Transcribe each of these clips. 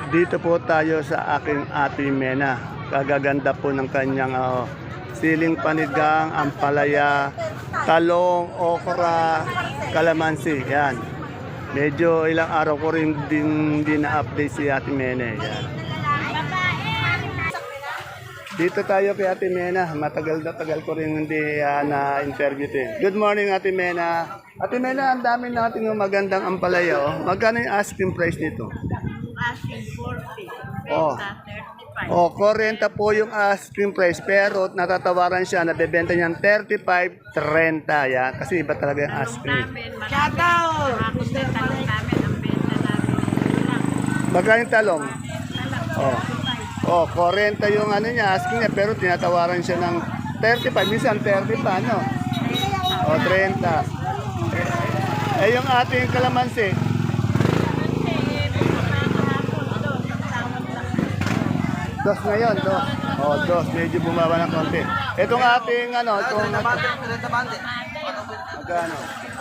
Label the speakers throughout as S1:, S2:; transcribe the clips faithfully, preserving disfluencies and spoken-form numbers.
S1: Dito po tayo sa aking Ate Mena. Kagaganda po ng kanyang ah, siling panigang, ampalaya, talong, okra, kalamansi. Yan. Medyo ilang araw ko rin din, din na-update si Ate Mena. Yan. Dito tayo kay Ate Mena. Matagal na tagal ko rin hindi uh, na-interview ito. Good morning, Ate Mena. Ate Mena, ang dami natin yung magandang ampalaya. Oh. Magkano yung asking price nito?
S2: Asking forty.
S1: Oh.
S2: thirty-five.
S1: Oh, forty po yung asking price pero natatawaran siya, nabebenta niyan thirty-five, thirty. Yan. Kasi iba talaga yung
S2: Talong
S1: asking.
S2: namin, shout out! Ako din, talong namin, ang benta namin. Lang.
S1: Magkano yung talong?
S2: Talong,
S1: Oh. Oh, forty yung ano niya, asking niya pero tinatawaran siya ng thirty-five, minsan thirty pa, no? Oh, thirty. Eh, yung ating kalamansi, dos ngayon, dos. Oh, dos. Medyo bumaba ng konti. Itong ating, ano, itong... Magkano?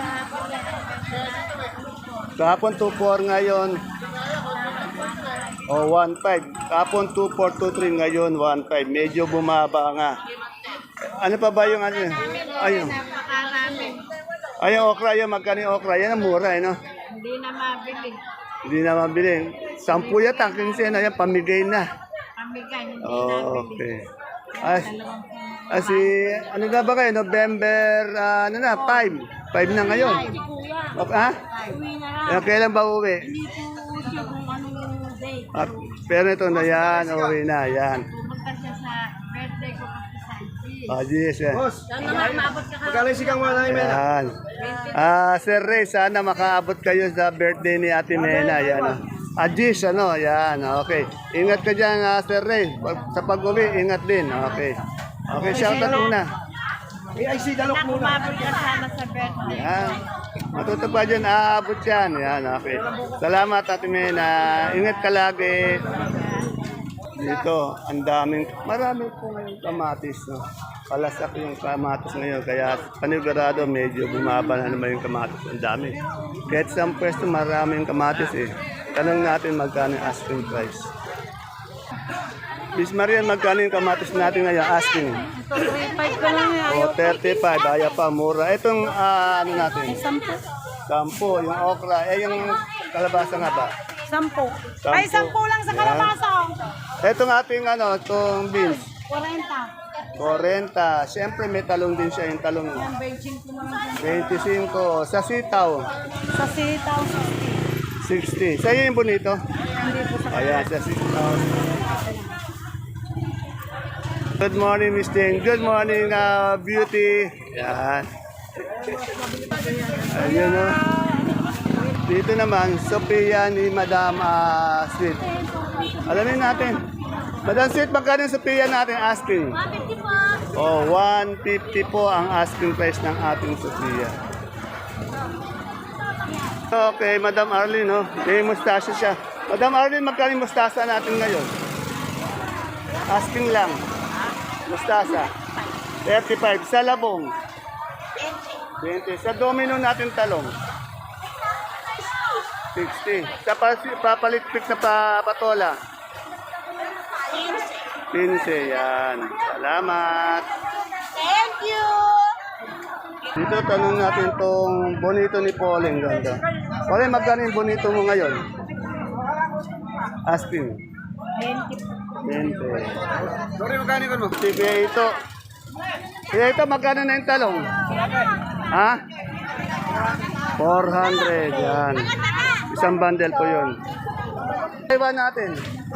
S1: Kahapon two four ngayon. Oh, one five. Kahapon two four, two three ngayon, one five. Medyo bumaba nga. Ano pa ba yung ano? Ayun.
S2: napakarami.
S1: Ayun, okra. Ayun, magkano yung okra? Yan ang mura, eh, no?
S2: Hindi na mabili.
S1: Hindi na mabili. Sampu yata, kinsin na yan, pamigay na.
S2: Pamigay, hindi
S1: Oh,
S2: nabili.
S1: okay. As, as si, ano na ba kayo? November, ah, ano na, five. five na ngayon.
S2: Hindi kuya.
S1: Okay, ha?
S2: Uwi na lang.
S1: Eh, kailan ba uwi?
S2: Hindi po siya kung anong date.
S1: Ah, pero ito na yan, uwi na, yan.
S2: Pumunta siya sa birthday ko kasi sa I G.
S1: Ah, yes, yan.
S2: Sana nga maabot ka ka.
S3: Magkano sigang mga namin?
S1: Yan. Ah, Sir Ray, sana makaabot kayo sa birthday ni Ate Mena. Yan, oh. Ajis, ano, yan, okay. Ingat ka dyan, ah, Sir Ray. Pag- Sa pag-uwi, ingat din, okay. Okay, shout out muna.
S3: May I C dalok
S2: Sana
S3: muna.
S2: kumabot ka sana sa birthday.
S1: Yan. Matuto pa dyan, aabot yan. Yan, okay. Salamat, Ate Mena. Ingat ka lagi. Dito, ang daming, marami po ngayong kamatis, no? Palasak yung kamatis ngayon, kaya panigurado medyo bumaba na naman yung kamatis. Ang dami. Kahit sa pwesto, maraming kamatis eh. Tanong natin magkano yung asking price. Miss Marian, magkano yung kamatis natin ngayon asking?
S2: thirty-five ko lang yan.
S1: O, thirty-five, ayaw pa, mura. Itong, ah, ano natin?
S2: Sampo.
S1: Sampo, yung okra. Eh, yung kalabasa nga ba?
S2: Sampo.
S1: Sampo.
S2: Ay, sampo lang sa
S1: Yan.
S2: kalabasa.
S1: Itong ating, ano, itong beans.
S2: forty.
S1: forty. Siyempre, may talong din siya, yung talong.
S2: Ang benching ko naman.
S1: twenty-five. Sa sitaw,
S2: Sa sitaw,
S1: sixty. Sa'yo yung bonito?
S2: hindi po sa
S1: Ayan, sa sitaw. Good morning, Miss Jane. Good morning, uh, beauty. Yan. Ayun, no. Dito naman, Sophia ni Madam uh, Sweet. Alamin natin. Madam Sweet, magkano yung Sophia natin asking?
S2: one fifty po.
S1: Oh, one fifty po ang asking price ng ating Sophia. Okay, Madam Arlene, no? May mustasa siya. Madam Arlene, magkano yung mustasa natin ngayon? Asking lang. Mustasa. thirty-five. Sa labong? twenty. Sa domino natin talong? sixty. Sa pasi- papalitpik na pa, patola? fifteen. Yan. Salamat.
S2: Thank you.
S1: Dito tanong natin tong bonito ni Pauling. Ganda. Pauling, magkano yung bonito mo ngayon? Asking. twenty.
S3: Sorry, magkano ka mo?
S1: Sige ito. Sige ito, magkano na yung talong? Ha? four hundred. Yan. Isang bundle po yun. Taiwan natin.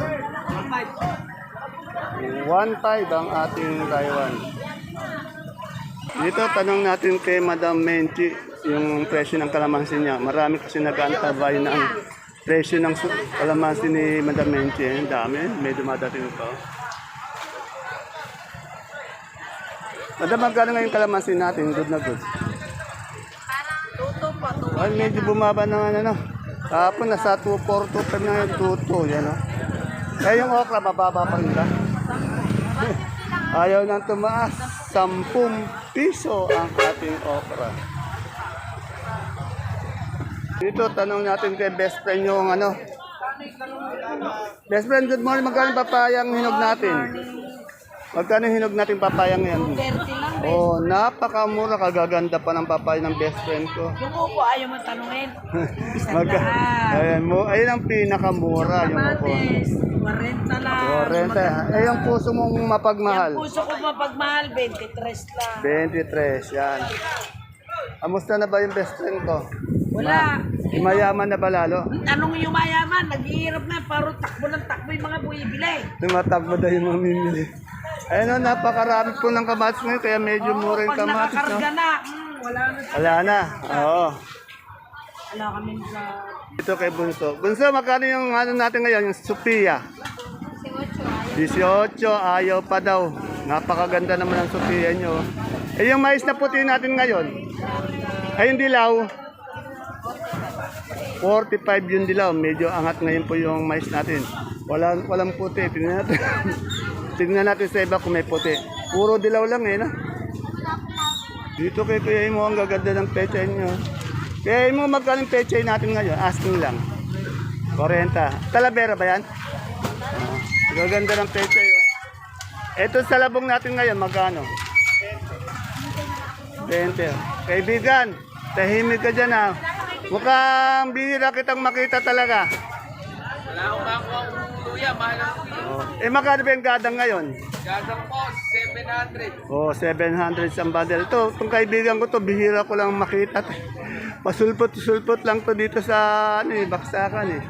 S1: one five ang ating Taiwan. Dito, tanong natin kay Madam Menchi yung presyo ng kalamansi niya. Marami kasi nag-antabay ng presyo ng su- kalamansi ni Madam Menchi. Ang dami. May dumadating ito. Madam, magkano ngayon kalamansi natin? Good na good.
S2: Tuto po, tuto.
S1: Ay, medyo bumaba na ano. Kahapon nasa two four, two five na ngayon, two two. Yan, no? Eh, yung okra, mababa pa rin ba? Ayaw nang tumaas. Sampung piso ang ating okra. Dito, tanong natin kay best friend yung ano, Best friend, good morning. Magkano yung papayang hinog natin? Magkano yung hinog natin papayang ngayon?
S2: thirty lang.
S1: Oh, napakamura. Kagaganda pa ng papaya ng best friend ko.
S2: Yung upo, ayaw mo tanungin. Isang
S1: Magka
S2: daan.
S1: ayan mo, ayun ang pinakamura yung ako.
S2: Kamatis, forty lang.
S1: Korente. Eh, yung puso mong mapagmahal.
S2: Yung puso ko mapagmahal, twenty-three lang.
S1: twenty-three, yan. Amusta na ba yung best friend ko?
S2: Wala.
S1: Mayaman na ba lalo?
S2: Anong yung mayaman? Naghihirap na, paro takbo ng takbo yung mga buibili.
S1: Tumatakbo daw yung mamimili. Ayun o, napakarami po ng kamatis ngayon, kaya medyo mura yung
S2: Pag
S1: kamatis. No?
S2: nakakarga na, mm, wala na.
S1: Wala na, oo.
S2: Wala kami sa...
S1: Ito kay Bunso. Bunso, magkano yung ano natin ngayon, yung Sophia? eighteen, ayaw pa daw. Napakaganda naman ang Sophia nyo. Eh, yung mais na puti natin ngayon, ay yung dilaw, forty-five yung dilaw. Medyo angat ngayon po yung mais natin. Walang, walang puti. Tingnan natin. Tingnan natin sa iba kung may puti. Puro dilaw lang eh, no? Dito kay Kuya Imo, ang gaganda ng pechay nyo. Kaya Imo, magkano yung pechay natin ngayon? Asking lang. forty. Talavera ba yan? Oh, gaganda ng pechay. Oh. Ito sa labong natin ngayon, magkano? twenty. Kaibigan, tahimik ka dyan ha. Mukhang bihira kitang makita talaga.
S3: Wala akong makuha ang luya, mahal ang
S1: Oh. Eh, magkano ba yung gadang ngayon?
S3: gadang po, seven hundred.
S1: Oh, seven hundred sa bundle. Ito, itong kaibigan ko to, bihira ko lang makita. Pasulpot-sulpot lang to dito sa ano, eh, baksakan eh.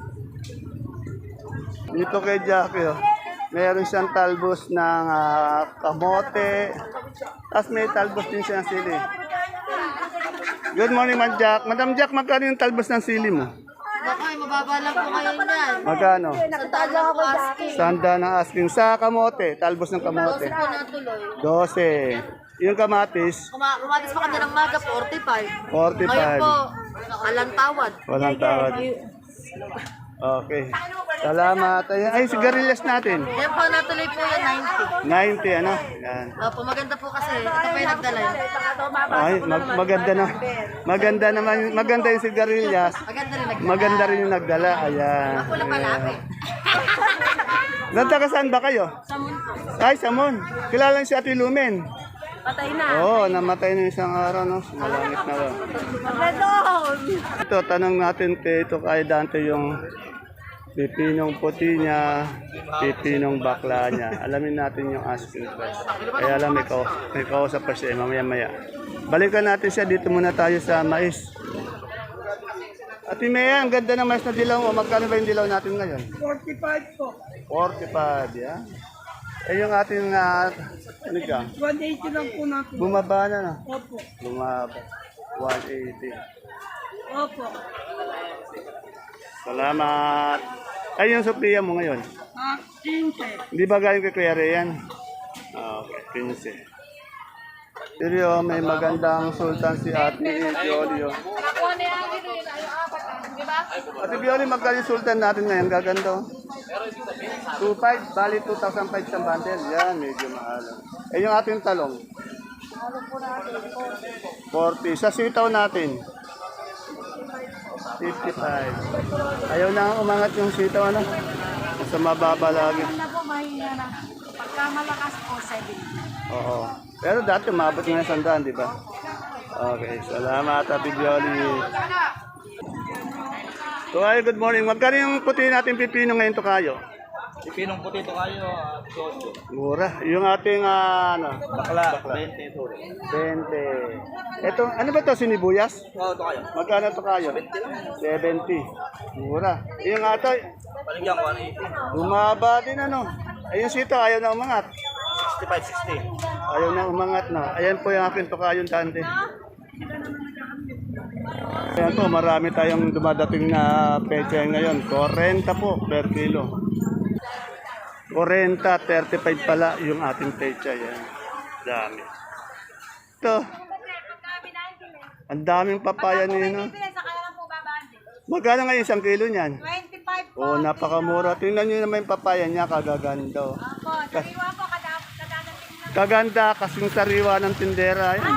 S1: Dito kay Jackie, oh. Meron siyang talbos ng ah, kamote. Tapos may talbos din siya ng sili. Good morning, Madam Jack. Madam Jack, magkano yung talbos ng sili mo?
S4: Baka mababa lang po kayo niyan.
S1: Magkano?
S4: Sandaan lang ako asking.
S1: Sanda ng asking sa kamote, talbos ng kamote.
S4: Kasi po natuloy.
S1: twelve. Yung kamatis,
S4: Kuma kumatis pa kanina ng maga, forty-five. Ngayon
S1: forty-five.
S4: po, alang tawad.
S1: Walang tawad. Okay. Salamat. Ay, ay sigarilyas natin.
S4: Yan po, natuloy po yan, ninety.
S1: ninety, ano? Yan.
S4: Opo, maganda po kasi. Ito pa yung nagdala yun.
S1: Ay, mag- maganda na. Maganda naman. Maganda yung sigarilyas.
S4: Maganda rin nagdala.
S1: Maganda rin yung nagdala. Ayan.
S4: Ako lang palaki.
S1: Nagtaga saan ba kayo?
S4: Samon po.
S1: Ay, Samon. Kilala niyo si Ate Lumen.
S4: Patay na.
S1: Oo, oh, namatay na isang araw, no? Malangit na lang.
S4: Pardon!
S1: Ito, tanong natin kay ito kay Dante yung pipinong puti niya, pipinong bakla niya. Alamin natin yung asking price. Kaya alam, may, kau may kausap pa siya, mamaya-maya. Balikan natin siya, dito muna tayo sa mais. Ate Mea, ang ganda ng mais na dilaw mo. Magkano ba yung dilaw natin ngayon?
S2: forty-five po.
S1: forty-five, yan. Eh yung ating, uh, ano ka?
S2: one eighty lang po natin.
S1: Bumaba na, no?
S2: Opo.
S1: Bumaba. one eighty.
S2: Opo.
S1: Salamat. Ay, yung Sophia mo ngayon.
S2: Ah, quince.
S1: Hindi ba galing kay Kuya Rian? Ah, okay, fifteen. Pero may magandang sultan si Ate Bioli. oh. Ate Bioli, magkano yung sultan natin ngayon? Gaganda. oh. two five, bali two thousand five sa bundle. Yan, medyo mahal. Eh, yung ating talong? forty. Sa sitaw natin? fifty-five. Ayaw na umangat yung sitaw, ano? Sa mababa lagi.
S2: Na po, mahina na. Pagka malakas po, seventy.
S1: Oo. Pero dati umabot nga sa sandaan, di ba? Okay. Salamat, Ate Bioli. Tukayo, good morning. Magkano yung puti natin pipino ngayon, Tukayo?
S3: Pipinong puti ito kayo, sosyo.
S1: Mura. Yung ating, ah, ano?
S3: Bakla, twenty ito.
S1: twenty. Ito, ano ba ito? Sinibuyas?
S3: Oo, ito kayo.
S1: Magkano ito kayo? seventy. Mura. Yung ato,
S3: Paligyan ko, ano eighty.
S1: bumaba din ano. Ayun sito, ayaw na umangat.
S3: sixty-five, sixty.
S1: Ayaw na umangat na. Ayan po yung aking Tukayo Dante. Ayan po, marami tayong dumadating na pecha ngayon. forty po per kilo. forty, thirty-five pala yung ating pecha. Yan. Dami. Ito. Ang daming papaya nino. Magkano ngayon isang kilo niyan?
S2: twenty-five po.
S1: Oh, napakamura. Tingnan niyo naman yung papaya niya, kagaganda. oh.
S2: Opo, sariwa po, kada- kadadating na.
S1: Kaganda kasing sariwa ng tindera. Yan.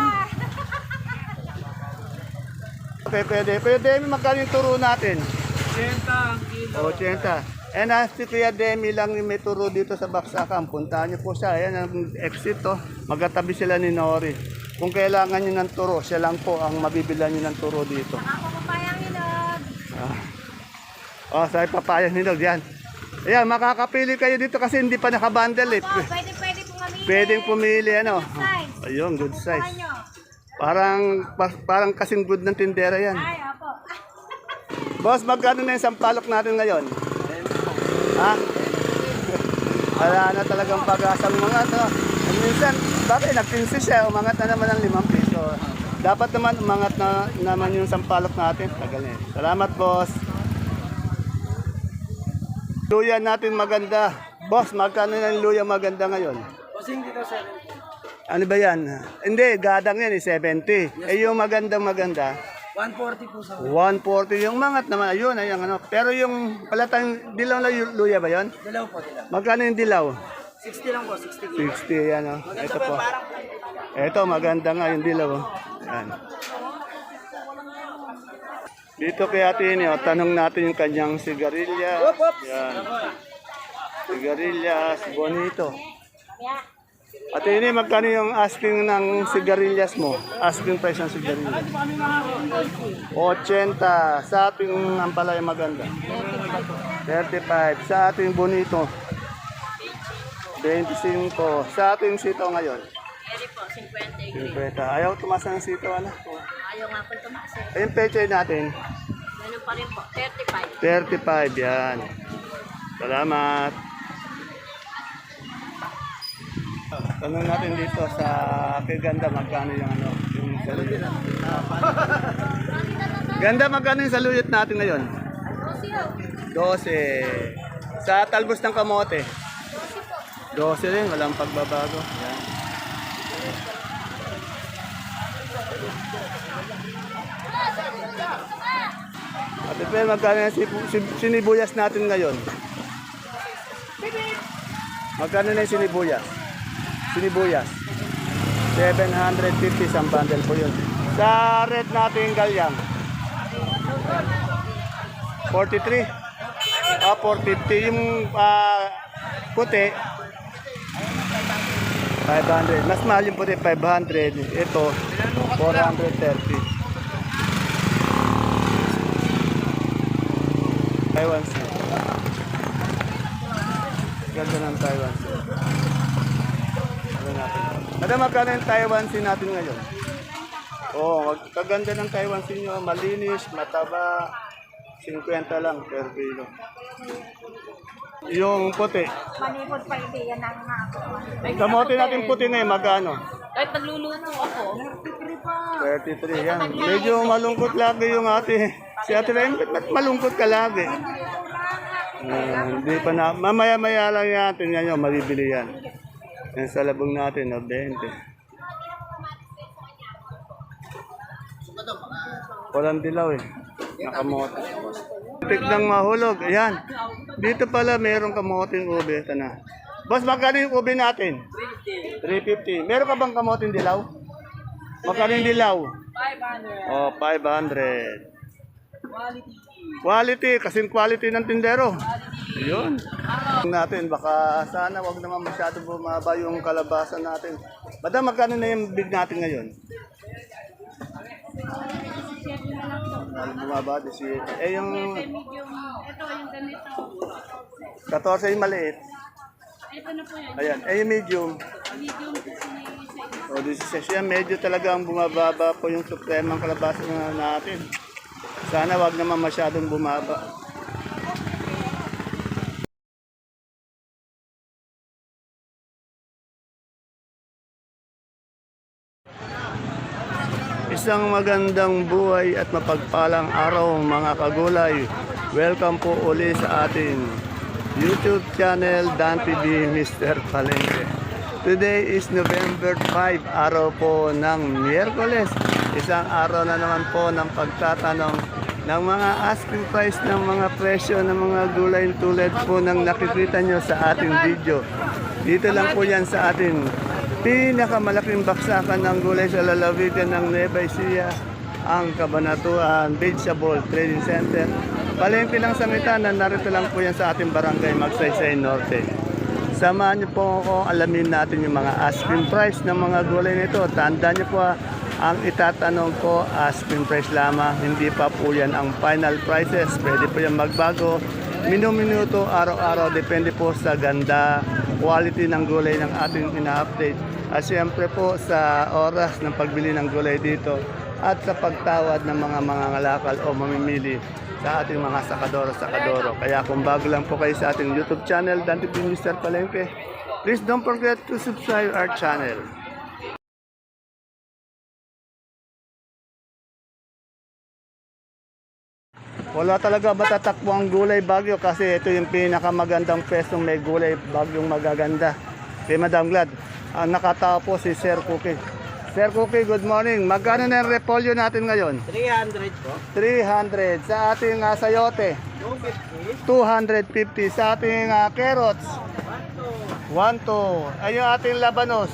S1: Okay, pwede. Pwede, magkano yung turo natin?
S3: Senta ang
S1: eighty. And as si Kuya Demi lang yung may turo dito sa Baksakan, puntahan niyo po siya. Ayan ang exit to. Magkatabi sila ni Nori. Kung kailangan niyo ng turo, siya lang po ang mabibilan niyo ng turo dito.
S4: Ako papayang inog.
S1: Ah. Oh, sa papayang hinog yan. Ayan, makakapili kayo dito kasi hindi pa nakabundle eh.
S4: Oh, pwede, pwede pong mamili.
S1: Pwedeng pumili ano.
S4: size.
S1: Ayun, good size.
S4: Kuha nyo.
S1: Parang pa- parang kasing good ng tindera yan.
S4: Ay, opo.
S1: Boss, magkano na yung sampalok natin ngayon? Ha? Wala na talagang pag-asang umangat. No? At minsan, bakit nag-pinsi siya, umangat na naman ng limang piso. Dapat naman umangat na naman yung sampalok natin. Tagal na eh. Salamat, boss. Luya natin maganda. Boss, magkano na yung luya maganda ngayon?
S3: Bossing dito, sir.
S1: Ano ba yan? Hindi, gadang yan eh, seventy. Eh yung magandang maganda,
S3: one forty po sa
S1: one forty. Yung mangat naman, ayun, ayun, ano. Pero yung palatang dilaw na yu- luya ba yun?
S3: Dalaw po nila.
S1: Magkano yung dilaw?
S3: sixty lang po, sixty.
S1: sixty, yan o. Ito po. Ito, maganda nga yung dilaw. Oh. Yan. Dito kay Ate Ini, oh, tanong natin yung kanyang sigarilyas. Yan. Sigarilyas, bonito. Ate Ini, magkano yung asking ng sigarilyas mo? Asking price ng sigarilyas? eighty. Sa ating ampalaya maganda? thirty-five. Sa ating bonito? twenty-five. Sa ating sitaw ngayon?
S4: Pwede po, fifty.
S1: fifty. Ayaw tumaas ng sitaw, ano?
S4: Ayaw nga po tumaas eh.
S1: Ayun, pechay natin?
S4: Ganun pa rin po, thirty-five.
S1: thirty-five, yan. Salamat. Tanong natin dito sa Ganda, magkano yung ano, yung saluyot. Ganda, magkano yung saluyot natin ngayon? twelve. Sa talbos ng kamote? twelve rin, walang pagbabago. Yan. Ate Pel, magkano yung sibu- sib- sinibuyas natin ngayon? Magkano na yung sinibuyas? Sinibuyas. seven fifty isang bundle po yun. Sa red natin galyang. forty-three. Ah, four fifty. Yung ah, puti, five hundred. Mas mahal yung puti, five hundred. Ito, four thirty. Taiwan Sea. Ganda ng Taiwan Sea. Ano natin? Madam, magkano yung Taiwan Sea natin ngayon? Oo, oh, kaganda ng Taiwan Sea nyo. Malinis, mataba. fifty lang per kilo. Yung puti.
S4: Manipod pa hindi, yan ang nga ako.
S1: Kamote natin puti na eh, magkano?
S4: Kahit nagluluto ako.
S1: thirty-three, yan. Medyo malungkot lagi yung ate. Si ate Rem, ba't malungkot ka lagi? Ah, hindi pa na. Mamaya-maya lang yan. Tingnan nyo, mabibili yan. Yan sa labong natin, no, twenty. Walang dilaw eh. Nakamote. Tignan mahulog. Ayan. Dito pala mayroong kamoting ube. Ito na. Boss, magkano yung ube natin? three fifty. Meron ka bang kamoting dilaw? Magkano yung dilaw?
S3: five hundred.
S1: Oh, five hundred. Quality, kasing quality ng tindero. Ayun. Natin, baka sana wag naman masyado bumaba yung kalabasa natin. Madam, magkano na yung big natin ngayon? Ano bumaba? eighty-eight. Eh, yung
S2: Ito, yung ganito.
S1: fourteen yung maliit.
S2: Ito na po yan.
S1: Ayan. Eh, yung medium.
S2: Medium size.
S1: O, sixteen. Yan, medyo talagang bumababa po yung supremang kalabasa na natin. Sana wag naman masyadong bumaba. Isang magandang buhay at mapagpalang araw mga kagulay. Welcome po uli sa ating YouTube channel Dan T V Mister Palengke. Today is November five, araw po ng Miyerkules. Isang araw na naman po ng pagtatanong ng mga asking price ng mga presyo ng mga gulay tulad po ng nakikita nyo sa ating video. Dito lang po yan sa ating pinakamalaking baksakan ng gulay sa lalawigan ng Nueva Ecija, ang Cabanatuan Vegetable Trading Center Palengke lang sa Mitana, narito lang po yan sa ating barangay Magsaysay Norte. Samahan niyo po ako, alamin natin yung mga asking price ng mga gulay nito. Tandaan niyo po, ah, ang itatanong ko, asking price lamang, hindi pa po yan ang final prices. Pwede po yan magbago, minuminuto, araw-araw, depende po sa ganda, quality ng gulay ng ating ina-update. At siyempre po sa oras ng pagbili ng gulay dito at sa pagtawad ng mga mangangalakal o mamimili sa ating mga sakadoro-sakadoro. Kaya kung bago lang po kayo sa ating YouTube channel, Dante P. Mister Palengke, please don't forget to subscribe our channel. Wala talaga matatakbo ang gulay Bagyo kasi ito yung pinakamagandang pwestong may gulay Bagyong magaganda. Kay Madam Glad, ang nakatao po si Sir Cookie. Sir Cookie, good morning. Magkano na yung repolyo natin ngayon?
S3: three hundred po.
S1: three hundred. Sa ating uh, sayote,
S3: two fifty.
S1: two fifty. Sa ating uh, carrots, one two. Ay yung ating labanos,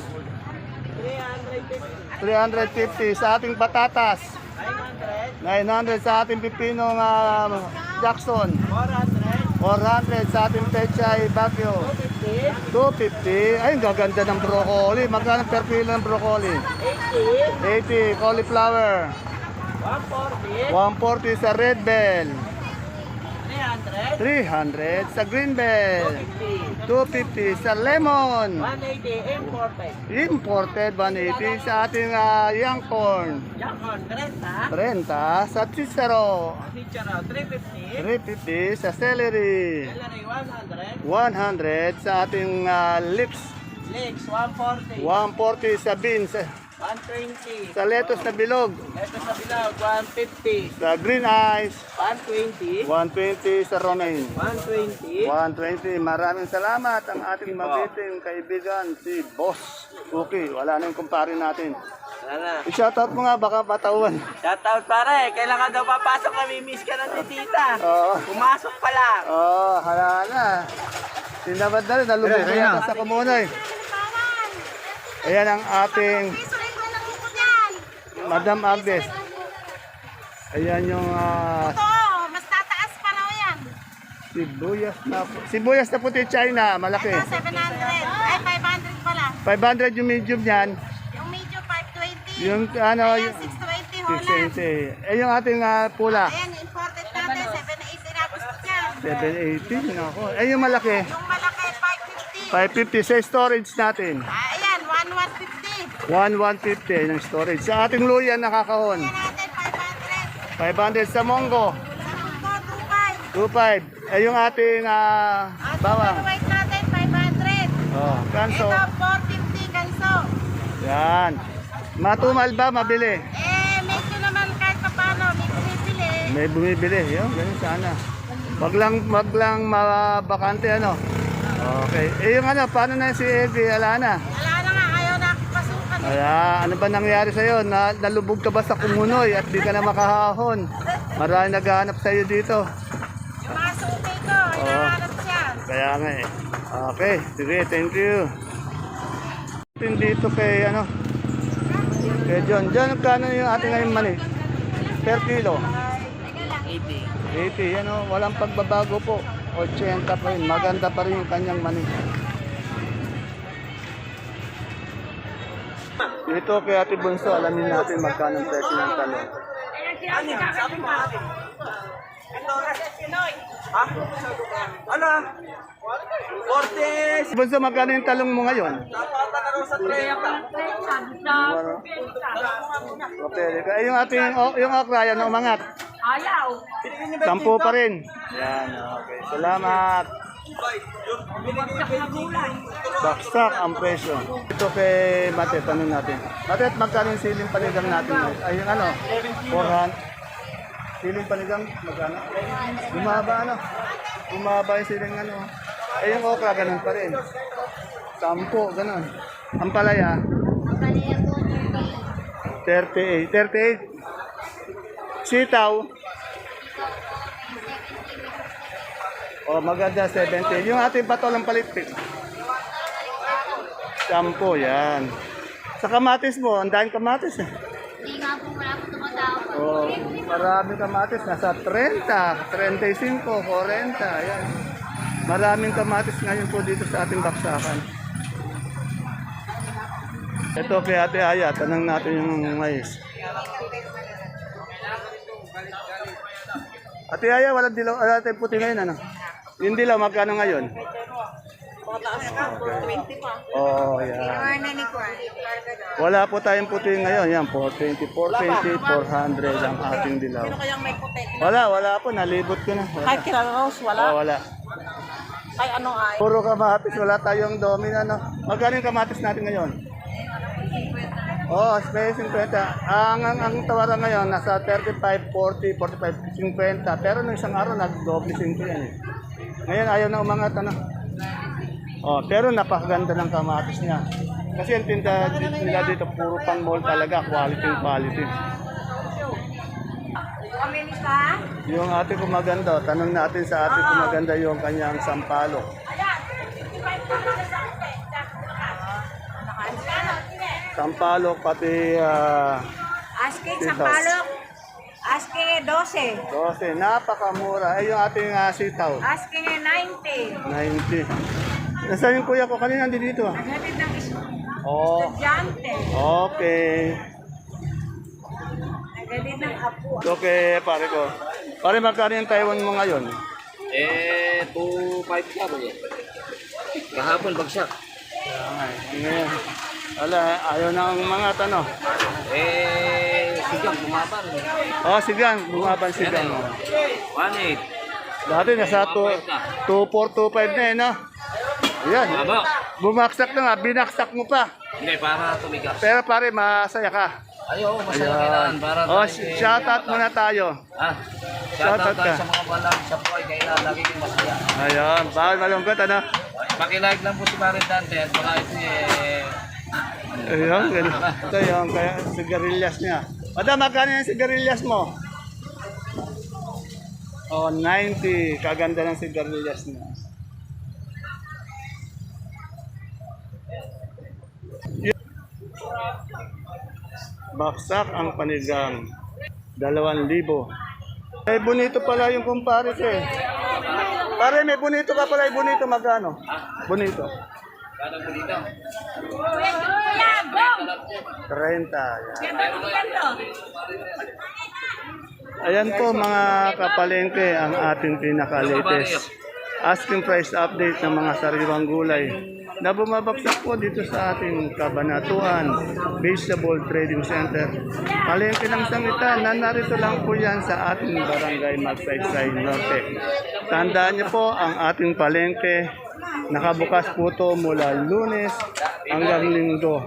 S3: three hundred
S1: three fifty.
S3: fifty.
S1: Sa ating patatas,
S3: nine hundred.
S1: nine hundred. Sa ating pipinong uh, Jackson,
S3: four hundred.
S1: four hundred. Sa ating pechay Bagyo,
S3: fifty.
S1: two fifty. Ay, ang gaganda ng broccoli. Magkano per kilo ng broccoli?
S3: eighty.
S1: eighty. Cauliflower,
S3: one forty.
S1: one forty. Sa red bell,
S3: three hundred.
S1: three hundred. Sa green bell,
S3: fifty.
S1: two fifty. Sa lemon,
S3: one eighty. Imported.
S1: imported, one eighty. Sa ating uh, young corn,
S3: Yakon. thirty.
S1: thirty. Sa cicero,
S3: Teacher, three fifty.
S1: three fifty. Sa celery,
S3: Celery, one hundred.
S1: one hundred. Sa ating uh, lips,
S3: Leeks, one forty.
S1: one forty. Sa beans,
S3: one twenty.
S1: sa lettuce na bilog,
S3: Ito sa bilog, one fifty.
S1: sa green eyes,
S3: one twenty.
S1: one twenty. Sa romaine,
S3: one twenty.
S1: one twenty. Maraming salamat ang ating mabiting kaibigan, si Boss Cookie. Wala na yung kumpare natin.
S3: Sana.
S1: I-shoutout mo nga, baka patawan.
S3: Shoutout pare, kailan ka daw papasok, nami-miss ka ng titita.
S1: Oo.
S3: Pumasok pa lang.
S1: Oh, hala na. Sinabad na rin, nalubog na yata sa kumunoy. Ayan ang ating Madam Agnes. Ayan yung uh,
S4: Oo, mas tataas pa raw yan.
S1: sibuyas na sibuyas na puti China, malaki.
S4: Ito, seven hundred. Ay, five hundred pala.
S1: five hundred yung medium niyan.
S4: Yung medyo, five twenty.
S1: Yung ano,
S4: Ayan,
S1: yung
S4: six twenty
S1: six
S4: Holland.
S1: twenty. Eh yung ating ah, pula,
S4: Ayan, imported natin, seven eighty na gusto niyan.
S1: seven eighty. Nako. Eh yung malaki,
S4: Yung malaki, five fifty.
S1: five fifty sa storage natin.
S4: Ah, ayan, one one fifty.
S1: one fifty ng storage. Sa ating luya nakakahon,
S4: Ayan natin, five hundred.
S1: five hundred sa monggo,
S4: Sa Munggo, two five.
S1: two five. Eh yung ating ah,
S4: At
S1: bawang.
S4: yung white natin, five hundred.
S1: Oh, kanso.
S4: Ito, four fifty ganso.
S1: Yan. Matumal ba? Mabili.
S4: Eh, medyo naman kahit pa paano, may bumibili.
S1: May bumibili. Yun, ganun sana. Wag lang, wag lang mabakante ano. Okay. Eh yung ano, paano na si Eddie? Ala na.
S4: Wala na nga, ayaw na pasukan.
S1: Kaya, ano ba nangyari sa'yo? Na, nalubog ka ba sa kumunoy at di ka na makahahon? Marami naghahanap sa'yo dito.
S4: Yung mga suki ko, hinahanap siya.
S1: Kaya nga eh. Okay, sige, thank you. Dito kay ano, kay John. John, kano yung ating ngayon mani? Per kilo?
S3: eighty.
S1: eighty, yan o, walang pagbabago po. eighty pa rin, maganda pa rin yung kanyang mani. Dito kay Ate Bunso, alamin natin magkano ang presyo ng talong.
S3: Ano yan? Sabi mo atin. Ha? Ano? forty.
S1: Bunso, magkano yung talong mo ngayon?
S3: Napata na rin sa trenta.
S1: Okay, ay yung ating, o- yung okra, yan umangat.
S4: Ayaw.
S3: Binigyan niyo ba
S1: Sampu pa rin. Yan, okay. Salamat.
S3: Binigyan niyo ba
S1: Baksak ang presyo. Ito kay Mate, tanong natin. Mate, magkano yung siling panigang natin? Ay, yung ano? four hundred. Siling panigang, magkano? Bumaba, ano? Bumaba yung siling ano. Eh, yung okra, ganun pa rin. Sampo, ganun. Ang palaya, thirty-eight. thirty-eight. Sitaw, oh, maganda, seventy. Yung ating patolang palitpik, sampo, yan. Sa kamatis mo, ang dahil kamatis eh.
S4: Hindi nga po wala po tumatawag.
S1: Oh, marami kamatis. Nasa thirty, thirty-five, forty. Ayan. Maraming kamatis ngayon po dito sa ating baksakan. Ito kay Ate Aya. Tanong natin yung mais. Ate Aya, walang dilaw. Wala tayong puti ngayon, ano? Yung dilaw, magkano ngayon? Oh, yan. Wala po tayong puti ngayon. Yan po, twenty, four twenty, four hundred ang ating dilaw.
S4: Sino kayang may puti?
S1: Wala, wala po. Nalibot ko na. Wala.
S4: Kahit kilala Rose, wala.
S1: Oh, wala.
S4: Ay, ano ay?
S1: Puro kamatis. Wala tayong domino, no? Magkano yung kamatis natin ngayon? Oh, space fifty. Ang, ang, ang tawaran ngayon, nasa thirty-five, forty, forty-five, fifty. Pero nung isang araw, nag-double fifty yan eh. Ngayon, ayaw na umangat, ano? Oh, pero napakaganda ng kamatis niya. Kasi ang tinda nila dito, puro pang mall talaga, quality quality. Yung ate ko maganda, tanong natin sa ate ko maganda yung kanyang sampalok. Sampalok, pati uh,
S4: Asking
S1: Sitaw.
S4: sampalok. Asking twelve.
S1: dose, napakamura. Ay, yung ating uh, sitaw,
S4: Asking ninety.
S1: ninety. Nasaan yung kuya ko? Kanina nandito dito. ah.
S4: Naghatid ng
S1: Oh,
S4: estudyante.
S1: okay.
S4: Naghatid ng apo.
S1: Okay, pare ko. Pare, magkano yung Taiwan mo ngayon?
S3: Eh, two five ka ba yan? Kahapon, bagsak.
S1: Ay, ngayon. Wala, ayaw na ang mga tanong.
S3: Eh, sigang, bumaba rin.
S1: Oh, sigang, bumaban sigang.
S3: one eight.
S1: Dati nasa two four two five na eh, no? Ayan,
S3: Baba.
S1: bumaksak na nga, binaksak mo pa.
S3: Hindi, para tumigas.
S1: Pero pare, masaya ka.
S3: Ayaw, masaya
S1: Ayan.
S3: kailangan. Para
S1: Oh,
S3: tayo, eh,
S1: shoutout muna tayo.
S3: Ah,
S1: Shoutout
S3: shoutout
S1: ka.
S3: tayo sa mga balang sa buhay. Kailangan lagi yung masaya.
S1: Ayan, bawal malungkot, ano?
S3: Pakilike lang po si Marin Dante at mga ito eh...
S1: Ayun, ganun. Ito yung kaya, sigarilyas niya. Madam, magkano yung sigarilyas mo? Oh, ninety. Kaganda ng sigarilyas niya. Baksak ang panigang. Dalawang libo. May bonito pala yung kumpares eh. Pare, may bonito ka pala. Yung bonito magkano? Bonito.
S3: Kano po dito?
S1: thirty. Yan. Ayan po mga kapalengke ang ating pinaka-latest asking price update ng mga sariwang gulay na bumabagsak po dito sa ating Kabanatuan Vegetable Trading Center. Palengke ng sangitan na narito lang po yan sa ating barangay Magsaysay Norte. Tandaan niyo po ang ating palengke nakabukas po to mula Lunes hanggang Linggo.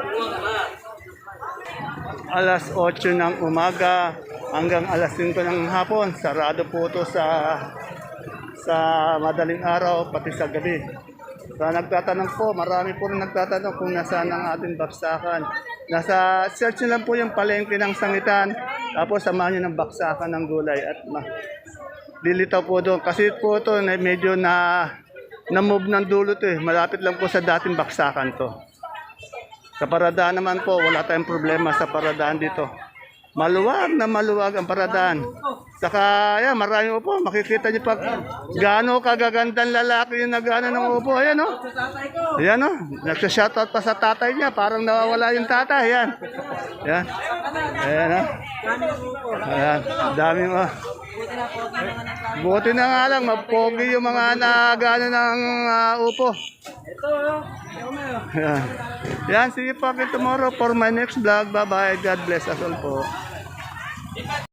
S1: Alas eight ng umaga hanggang alas five ng hapon. Sarado po to sa sa madaling araw pati sa gabi. Sa nagtatanong po, marami po rin nagtatanong kung nasaan ang ating baksakan. Nasa search nyo lang po yung palengke ng sangitan, tapos samahan nyo ng baksakan ng gulay at ma lilitaw po doon. Kasi po ito medyo na na-move ng dulo to eh. Malapit lang po sa dating baksakan to. Sa paradaan naman po, wala tayong problema sa paradaan dito. Maluwag na maluwag ang paradaan. Saka, yan, maraming upo. Makikita niyo pag gaano kagagandang lalaki yung nagano ng upo. Ayan, o. Oh. Ayan, o. Oh. Nagsashoutout pa sa tatay niya. Parang nawawala yung tatay. Ayan. Ayan. Ayan, o. Oh. Ayan. Dami mo. Buti na nga lang, mapogi yung mga nagano ng uh, upo. Ayan. Yan, sige po, tomorrow for my next vlog. Bye-bye. God bless us all po.